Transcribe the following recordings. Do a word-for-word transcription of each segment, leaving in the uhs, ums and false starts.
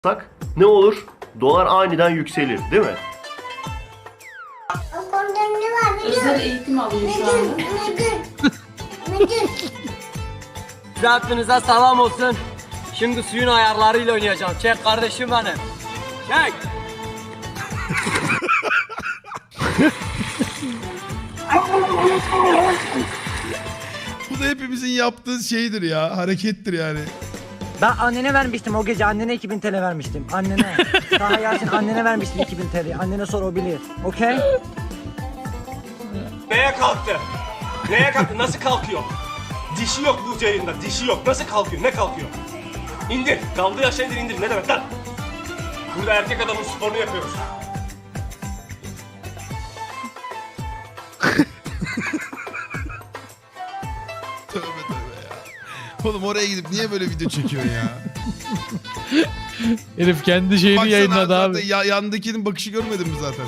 ne olur? Dolar aniden yükselir, değil mi? O konuda ne var biliyor musun? Özel eğitim alıyor şu anda. Müdür, müdür, müdür. Hepinize selam olsun. Şimdi suyun ayarlarıyla oynayacağım. Çek kardeşim benim. Çek. Bu da hepimizin yaptığı şeydir ya. Harekettir yani. Ben annene vermiştim o gece, annene iki bin T L vermiştim. Annene. Daha Yasin annene vermiştim iki bin T L. Annene sor, o bilir. Okey? Neye kalktı? Neye kalktı? Nasıl kalkıyor? Dişi yok bu yayında. Dişi yok. Nasıl kalkıyor? Ne kalkıyor? İndir. Kaldığı aşağı indir indir. Ne demek lan? Burada erkek adamın sporunu yapıyoruz. Tövbe tövbe ya. Oğlum oraya gidip niye böyle video çekiyorsun ya? Herif kendi şeyini Baksana yayınladı zaten abi. ya, yandakinin bakışı görmedin mi zaten?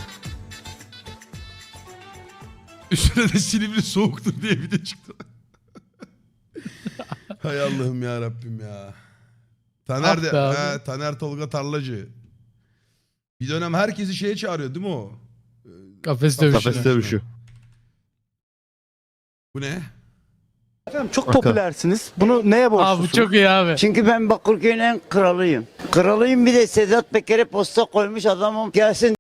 Üstüne de Silivri soğuktur diye video çıktı. Hay Allah'ım ya Rabbim ya. Taner de, Ah be abi. he, Taner Tolga Tarlacı. Bir dönem herkesi şeye çağırıyor değil mi o? Kafes dövüşü. Kafes dövüşü. Bu ne? Efendim çok popülersiniz. Bunu neye Aa borçlusunuz? bu çok iyi abi. Çünkü ben Bakırköy'ün en kralıyım. Kralıyım, bir de Sedat Peker'e posta koymuş adamım. Gelsin